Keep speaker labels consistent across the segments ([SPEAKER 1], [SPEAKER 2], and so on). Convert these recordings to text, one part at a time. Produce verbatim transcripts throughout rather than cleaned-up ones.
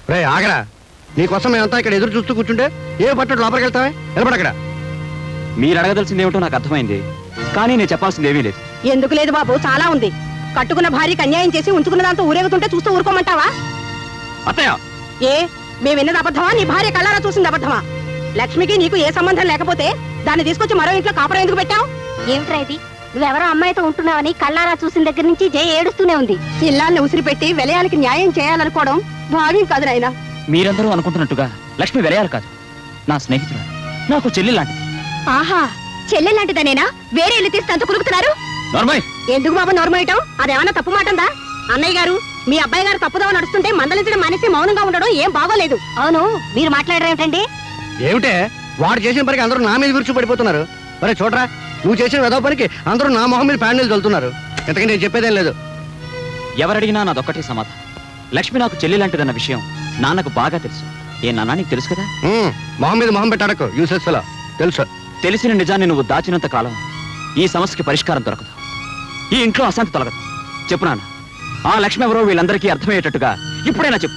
[SPEAKER 1] రే ఆగరా, నీకోసం మేమంతా ఇక్కడ ఎదురు చూస్తూ కూర్చుంటే ఏ పట్టడు లోపలికి వెళ్తావే? నిలబడక్కడ.
[SPEAKER 2] మీరు అడగదలసింది ఏమిటో నాకు అర్థమైంది, కానీ నేను చెప్పాల్సింది ఏమీ లేదు.
[SPEAKER 3] ఎందుకు లేదు బాబు, చాలా ఉంది. కట్టుకున్న భార్యకి అన్యాయం చేసి ఉంచుకున్న దాంతో ఊరేగుతుంటే చూస్తూ ఊరుకోమంటావా?
[SPEAKER 2] అత్తయ్య,
[SPEAKER 3] ఏ మేము విన్నది అబద్ధమా, నీ భార్య కళ్ళారా చూసింది అబద్ధమా? లక్ష్మికి నీకు ఏ సంబంధం లేకపోతే దాన్ని తీసుకొచ్చి మరో ఇంట్లో కాపురం ఎందుకు పెట్టావు?
[SPEAKER 4] ఏమిట్రా ఇది? నువ్వెవరో అమ్మాయితో ఉంటున్నావని కళ్ళారా చూసిన దగ్గర నుంచి జయ ఏడుస్తూనే ఉంది.
[SPEAKER 3] ఇల్లాన్ని ఉసిరి పెట్టి విలయానికి న్యాయం చేయాలనుకోవడం భావ్యం కాదు నాయనా.
[SPEAKER 2] మీరందరూ అనుకుంటున్నట్టుగా లక్ష్మి వెలయాలి కాదు, నా స్నేహితురాలు, నాకు చెల్లి లాంటిది.
[SPEAKER 4] ఆహా, చెల్లెలాంటిదనేనా? వేరే ఇల్లు తీసి తంతు కులుకుతున్నారు.
[SPEAKER 3] ఎందుకు బాబు నోర్మోయటం? అదేమన్నా తప్పు మాటందా? అన్నయ్య గారు, మీ అబ్బాయి గారు తప్పుదవ నడుస్తుంటే మందలించడం మానేసి మౌనంగా ఉండడం ఏం బాగోలేదు.
[SPEAKER 4] అవును, మీరు మాట్లాడరేమిటండి?
[SPEAKER 1] ఏమిటే, వాడు చేసిన పనికి అందరూ నా మీద విరుచు పడిపోతున్నారు. మరి చూడరా, నువ్వు చేసిన వెదవ పనికి అందరూ నా మొహం మీద ప్యాండిల్ చల్లుతున్నారు. ఇంతకీ నేను చెప్పేదేం లేదు.
[SPEAKER 2] ఎవరడిగినా నాదొక్కటే సమాధానం. లక్ష్మి నాకు చెల్లి లాంటిదన్న విషయం నాన్నకు బాగా తెలుసు. ఏ నాన్న, నీకు తెలుసు కదా?
[SPEAKER 1] మొహం మీద మొహం పెట్టాడకు, యూసెస్ ఫెలో. తెలుసు.
[SPEAKER 2] తెలిసిన నిజాన్ని నువ్వు దాచినంత కాలం ఈ సమస్యకి పరిష్కారం దొరకదు, ఈ ఇంట్లో అశాంతి తొలగదు. చెప్పు నాన్న, ఆ లక్ష్మి ఎవరో వీళ్ళందరికీ అర్థమయ్యేటట్టుగా ఇప్పుడైనా చెప్పు.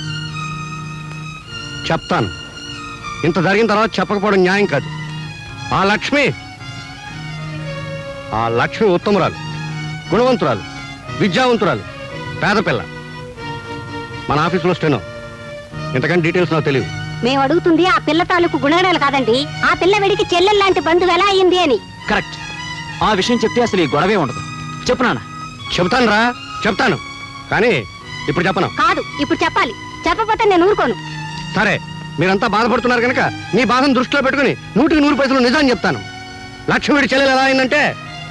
[SPEAKER 1] చెప్తాను. ఇంత జరిగిన తర్వాత చెప్పకపోవడం న్యాయం కాదు. ఆ లక్ష్మి ఆ లక్ష్మి ఉత్తమురాలు, గుణవంతురాలు, విద్యావంతురాలు, పేద పిల్ల. మన ఆఫీసులో స్టెనో. ఇంతకంటే డీటెయిల్స్ నాకు తెలియదు.
[SPEAKER 4] మేము అడుగుతుంది ఆ పిల్ల తాలూకు గుణగణాలు కాదండి, ఆ పిల్ల వెడికి చెల్లెల్లాంటి బంధువు ఎలా అయింది అని.
[SPEAKER 2] కరెక్ట్. ఆ విషయం చెప్తే అసలు ఈ గొడవే ఉండదు. చెప్పు నాన్న.
[SPEAKER 1] చెప్తాను రా, చెప్తాను, కానీ ఇప్పుడు చెప్పను.
[SPEAKER 4] కాదు, ఇప్పుడు చెప్పాలి. చెప్పకపోతే నేను ఊరుకోను.
[SPEAKER 1] సరే, మీరంతా బాధపడుతున్నారు కనుక మీ బాధను దృష్టిలో పెట్టుకుని నూటికి నూరు పైసలు నిజాన్ని చెప్తాను. లక్ష్మి చెల్లెలు ఎలా అయిందంటే,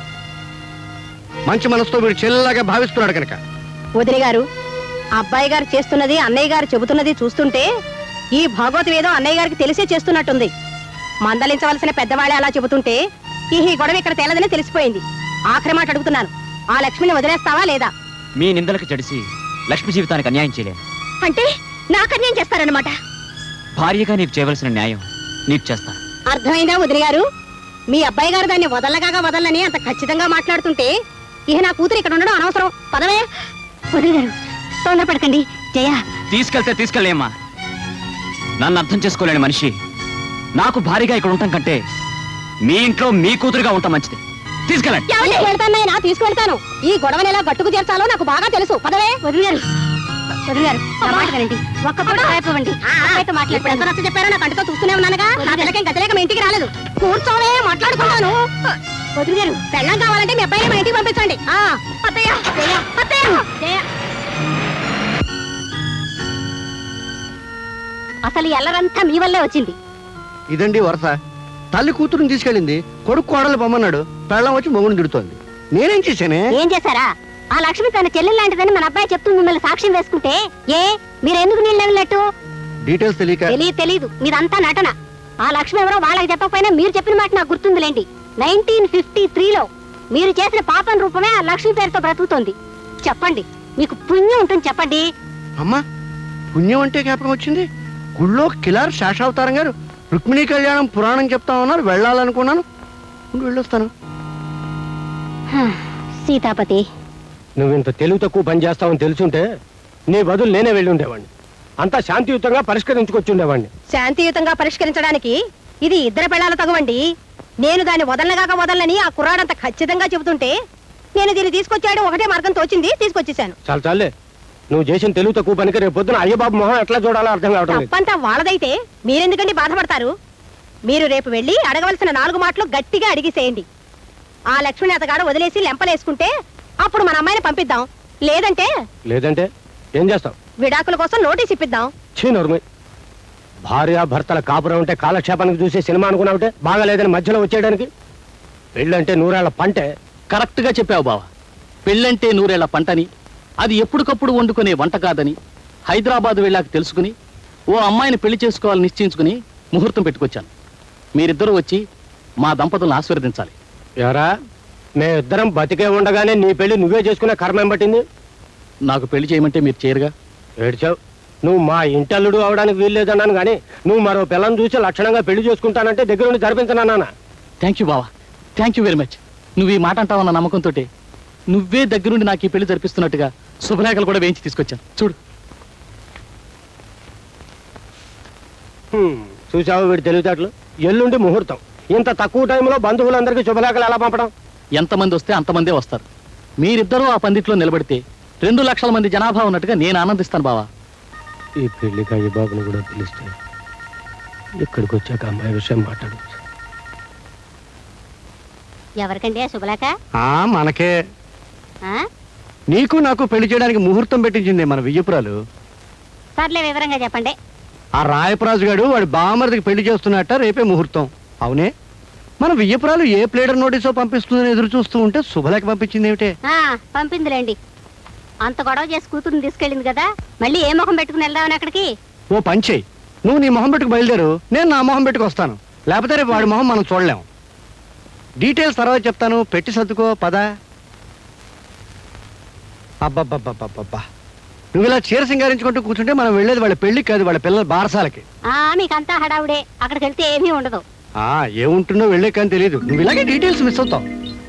[SPEAKER 1] మంచి మనసుతో వీడు చెల్లెలాగా భావిస్తున్నాడు కనుక.
[SPEAKER 3] వదిలి గారు, అబ్బాయి గారు చేస్తున్నది అన్నయ్య గారు చెబుతున్నది చూస్తుంటే ఈ భాగవతం ఏదో అన్నయ్య గారికి తెలిసే చేస్తున్నట్టుంది. మందలించవలసిన పెద్దవాళ్ళే అలా చెబుతుంటే ఈ గొడవ ఇక్కడ తేలదని తెలిసిపోయింది. ఆఖరి మాట అడుగుతున్నాను, ఆ లక్ష్మిని వదిలేస్తావా లేదా?
[SPEAKER 2] మీ నిందలకు జడిసి లక్ష్మి జీవితానికి అన్యాయం చేయలేను.
[SPEAKER 4] అంటే నాకు అన్యాయం చేస్తారన్నమాట?
[SPEAKER 2] భార్యగా నీకు చేయవలసిన న్యాయం నీకు చేస్తాను.
[SPEAKER 3] అర్థమైందా వదిలి గారు? మీ అబ్బాయి గారు దాన్ని వదలగాగా వదలని అంత ఖచ్చితంగా మాట్లాడుతుంటే ఇహ నా కూతురు ఇక్కడ ఉండడం అనవసరం. పదవే.
[SPEAKER 4] వదిలి గారు, తొందరపడకండి. జయ,
[SPEAKER 2] తీసుకెళ్తే తీసుకెళ్ళేమ్మా. నన్ను అర్థం చేసుకోలేని మనిషి నాకు భారీగా ఇక్కడ ఉండటం కంటే మీ ఇంట్లో మీ కూతురుగా ఉంటాం మంచిది. తీసుకెళ్ళండి.
[SPEAKER 3] వెళ్తానైనా తీసుకెళ్తాను. ఈ గొడవని ఎలా గట్టుకు చేర్చాలో నాకు బాగా తెలుసు. పదవే.
[SPEAKER 4] వదిలి గారు, వదిలి గారు, నా మాట వినండి. ఒక్క పూట రేపవండి.
[SPEAKER 3] మాట్లాడుతున్నా చెప్పారో నా కంటితో చూస్తూనే ఉన్నానుగా. నా పిల్లకేం గతిలేక మీ ఇంటికి రాలేదు. కూర్చోవే, మాట్లాడుకున్నాను.
[SPEAKER 4] వదిలి గారు,
[SPEAKER 3] పెళ్ళం కావాలంటే మీ అబ్బాయిని మా ఇంటికి పంపించండి.
[SPEAKER 4] అత్తయ్య, అత్తయ్య, అసలు ఎల్లరంతా మీ వల్లే వచ్చింది.
[SPEAKER 1] ఇదండి వరస. తల్లి కూతురుని తీసుకెళ్ళింది, కొడుకు కోడలు పొమ్మన్నాడు, పెళ్ళం వచ్చి మొగుడు తిడుతోంది. నేనేం చేశానే?
[SPEAKER 4] ఏం చేశారా? ఆ లక్ష్మి తన చెల్లెలు లాంటిదని మన అబ్బాయి చెప్తూ మిమ్మల్ని సాక్ష్యం వేసుకుంటే ఏ మీరు ఎందుకు నీళ్ళు వెళ్ళినట్టు?
[SPEAKER 1] డీటెయిల్స్ తెలియక.
[SPEAKER 4] తెలియదు తెలీదు, మీదంతా నటన. ఆ లక్ష్మి ఎవరో వాళ్ళకి చెప్పకపోయినా మీరు చెప్పిన మాట నాకు గుర్తుందిలేండి. నైన్టీన్ ఫిఫ్టీ త్రీలో మీరు చేసిన పాపం రూపమే ఆ లక్ష్మి పేరుతో బ్రతుకుతోంది. చెప్పండి, మీకు పుణ్యం ఉంటుంది, చెప్పండి.
[SPEAKER 1] అమ్మా, పుణ్యం అంటే జ్ఞాపకం వచ్చింది. గుళ్ళో కిలార్ శేషావతారం గారు రుక్మిణీ కళ్యాణం పురాణం చెప్తా ఉన్నారు. వెళ్ళాలనుకున్నాను, వెళ్ళొస్తాను.
[SPEAKER 4] సీతాపతి,
[SPEAKER 5] నువ్వు ఇంత తెలుగు తక్కువ పని చేస్తావని తెలుసుంటే నీ బదులు నేనే వెళ్ళి ఉండేవాడిని. అంతా శాంతియుతంగా పరిష్కరించుకొచ్చి ఉండేవాడిని.
[SPEAKER 3] శాంతియుతంగా పరిష్కరించడానికి ఇది ఇద్దరు పెళ్ళాల తగవండి. నేను దాన్ని వదలనగాక వదలని ఆ కుర్రాడంత ఖచ్చితంగా చెబుతుంటే నేను దీన్ని తీసుకొచ్చాడు ఒకటే మార్గం తోచింది, తీసుకొచ్చేసాను.
[SPEAKER 5] చాలు చాలే, నువ్వు చేసిన తెలుగు తక్కువ పనికి రేపు పొద్దున అయ్యబాబు మొహం ఎట్లా చూడాలో అర్థం కావడం లేదు.
[SPEAKER 3] తప్పంతా వాళ్ళదైతే మీరెందుకండి బాధపడతారు? మీరు రేపు వెళ్ళి అడగవలసిన నాలుగు మాటలు గట్టిగా అడిగిసేయండి. ఆ లక్ష్మిని అతగాడు వదిలేసి లెంపలేసుకుంటే అప్పుడు మన అమ్మాయిని పంపిద్దాం. లేదంటే
[SPEAKER 5] లేదంటే ఏం చేస్తావు?
[SPEAKER 3] విడాకుల కోసం నోటీస్ ఇప్పిద్దాం.
[SPEAKER 5] చీనోర్మయ్, భార్య భర్తల కాపురం ఉంటే కాలక్షేపానికి చూసే సినిమా అనుకున్నావుంటే బాగా లేదని మధ్యలో వచ్చేయడానికి. పెళ్ళంటే నూరేళ్ల పంటే.
[SPEAKER 6] కరెక్ట్ గా చెప్పావు బావ. పెళ్ళంటే నూరేళ్ల పంటని, అది ఎప్పటికప్పుడు వండుకునే వంట కాదని హైదరాబాద్ వెళ్ళాక తెలుసుకుని ఓ అమ్మాయిని పెళ్లి చేసుకోవాలని నిశ్చయించుకుని ముహూర్తం పెట్టుకొచ్చాను. మీరిద్దరూ వచ్చి మా దంపతులను ఆశీర్వదించాలి.
[SPEAKER 5] ఎవరా, మేమిద్దరం బతికే ఉండగానే నీ పెళ్లి నువ్వే చేసుకునే కర్మేం పట్టింది?
[SPEAKER 6] నాకు పెళ్లి చేయమంటే మీరు చేయరుగా.
[SPEAKER 5] ఏడ్చావు. నువ్వు మా ఇంటల్లుడు అవడానికి వీల్లేదన్నాను కానీ నువ్వు మరో పిల్లని చూసి లక్షణంగా పెళ్లి చేసుకుంటానంటే దగ్గరుండి జరిపించనన్నా.
[SPEAKER 6] థ్యాంక్ యూ బావా, థ్యాంక్ యూ వెరీ మచ్. నువ్వు ఈ మాట అంటావన్న నమ్మకంతో నువ్వే దగ్గరుండి నాకు ఈ పెళ్లి జరిపిస్తున్నట్టుగా శుభలేఖలు కూడా వేయించి తీసుకొచ్చాను. చూడు.
[SPEAKER 5] హ్మ్, చూసావు వీడి తెలివితేటలు. ఎల్లుండి ముహూర్తం. ఇంత తక్కువ టైంలో బంధువులందరికీ శుభలేఖలు ఎలా పంపడం?
[SPEAKER 6] ఎంతమంది వస్తే అంతమందే వస్తారు. మీరిద్దరూ ఆ పందిట్లో నిలబడితే రెండు లక్షల మంది జనాభా ఉన్నట్టుగా నేను ఆనందిస్తాను బావా.
[SPEAKER 5] ఈ పెళ్లికి అయ్య బాబుని కూడా పిలిస్తే ఇక్కడికి వచ్చాక అమ్మాయి విషయం మాట్లాడచ్చు.
[SPEAKER 4] ఎవరికండి ఆ శుభలేఖ?
[SPEAKER 1] ఆ మనకే.
[SPEAKER 4] ఆ?
[SPEAKER 1] నీకు నాకు పెళ్లి చేయడానికి ముహూర్తం పెట్టించింది మన వియ్యపురాలు.
[SPEAKER 4] సర్లే వివరంగా చెప్పండి.
[SPEAKER 1] ఆ రాయపరాజు గారు వాడి బామర్దికి పెళ్లి చేస్తున్నట్ట రేపే ముహూర్తం. అవునే, మన వియ్యపురాలు ఏ ప్లేడర్ నోటీసో పంపిస్తుందని ఎదురు చూస్తూ ఉంటే శుభలేఖ పంపించింది ఏమిటే?
[SPEAKER 4] ఆ, పంపిందిలేండి. అంత గొడవ చేసి కూతురుని తీసుకెళ్ళింది కదా, మళ్ళీ ఏ ముఖం పెట్టుకుని వెళ్దామని అక్కడికి?
[SPEAKER 1] ఓ పంచేయి, నువ్వు నీ మొహం పెట్టుకు బయలుదేరు, నేను నా మొహం పెట్టుకు వస్తాను. లేకపోతే రేపు వాడి మొహం మనం చూడలేము. డీటెయిల్స్ తర్వాత చెప్తాను, పెట్టి సర్దుకో పద. అబ్బబ్బబ్బబ్బబ్బా, నువ్వు ఇలా చీర సింగారించుకుంటూ కూర్చుంటే మనం వెళ్ళేది వాళ్ళ పెళ్లికి కాదు, వాళ్ళ పిల్లల బారసాలకి.
[SPEAKER 4] ఆ మీకంతా హడావుడే, అక్కడికి వెళ్తే ఏమీ ఉండదు.
[SPEAKER 1] ఆ ఏముంటుందో వెళ్ళే కానీ తెలియదు. నువ్వు ఇలాగే డీటెయిల్స్ మిస్ అవుతావు.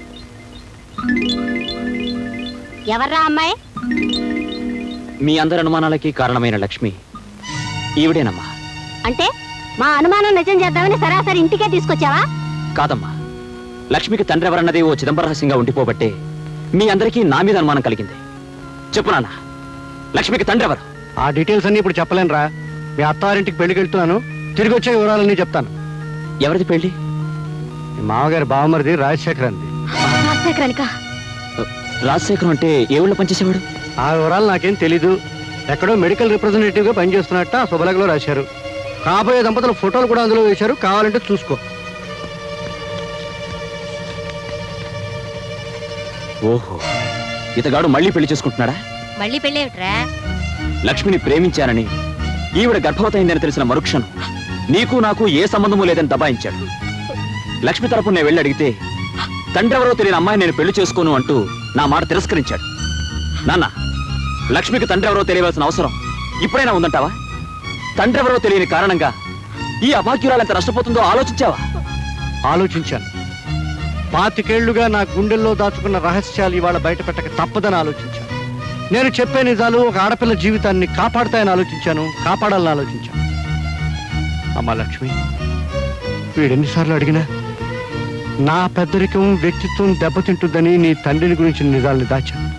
[SPEAKER 4] ఎవర్రా అమ్మాయి?
[SPEAKER 2] మీ అందరి అనుమానాలకి కారణమైన లక్ష్మి ఈవిడేనమ్మా.
[SPEAKER 4] అంటే మా అనుమానం నిజం చేద్దామని సరాసరి ఇంటికే తీసుకొచ్చావా?
[SPEAKER 2] కాదమ్మా, లక్ష్మికి తండ్రి ఎవరన్నది ఓ చిదంబర రహస్యంగా ఉండిపోబట్టే మీ అందరికీ నా మీద అనుమానం కలిగింది. చెప్పు నాన్న, లక్ష్మికి తండ్రి ఎవరు?
[SPEAKER 1] ఆ డీటెయిల్స్ అన్ని ఇప్పుడు చెప్పలేనురా. మీ అత్తారింటికి పెళ్లికి వెళ్తున్నాను, తిరిగి వచ్చే వివరాలన్నీ చెప్తాను.
[SPEAKER 2] ఎవరిది పెళ్లి?
[SPEAKER 1] మీ మామగారి బావమరిది రాజశేఖర్ అంది.
[SPEAKER 4] రాజశేఖరానికా?
[SPEAKER 2] రాజశేఖరం అంటే ఏ ఊళ్ళో పనిచేసేవాడు?
[SPEAKER 1] ఆ వివరాలు నాకేం తెలీదు. ఎక్కడో మెడికల్ రిప్రజెంటేటివ్ గా పనిచేస్తున్నట్ట ఆ శుభలేఖలో రాశారు. కాబోయే దంపతుల ఫోటోలు కూడా అందులో వేశారు, కావాలంటే చూసుకో.
[SPEAKER 2] ఓహో, ఇతగాడు మళ్ళీ పెళ్లి చేసుకుంటున్నాడా?
[SPEAKER 4] మళ్ళీ పెళ్ళేమిట్రా?
[SPEAKER 2] లక్ష్మిని ప్రేమించానని, ఈవిడ గర్భవతయిందని తెలిసిన మరుక్షణం నీకు నాకు ఏ సంబంధము లేదని దబాయించాడు. లక్ష్మి తరపున నేను వెళ్ళి అడిగితే తండ్రి ఎవరో తెలియని అమ్మాయి నేను పెళ్లి చేసుకోను అంటూ నా మాట తిరస్కరించాడు. నాన్న, లక్ష్మికి తండ్రి ఎవరో తెలియవలసిన అవసరం ఇప్పుడైనా ఉందంటావా? తండ్రి ఎవరో తెలియని కారణంగా ఈ అభాగ్యురాలు ఎంత నష్టపోతుందో ఆలోచించావా?
[SPEAKER 1] ఆలోచించాను. పాతికేళ్లుగా నా గుండెల్లో దాచుకున్న రహస్యాలు ఇవాళ బయట పెట్టక తప్పదని ఆలోచించాను. నేను చెప్పే నిజాలు ఒక ఆడపిల్ల జీవితాన్ని కాపాడుతాయని ఆలోచించాను, కాపాడాలని ఆలోచించాను. అమ్మా లక్ష్మి, వీడెన్నిసార్లు అడిగినా నా పెద్దరికం వ్యక్తిత్వం దెబ్బతింటుందని నీ తండ్రిని గురించి నిజాల్ని దాచాను.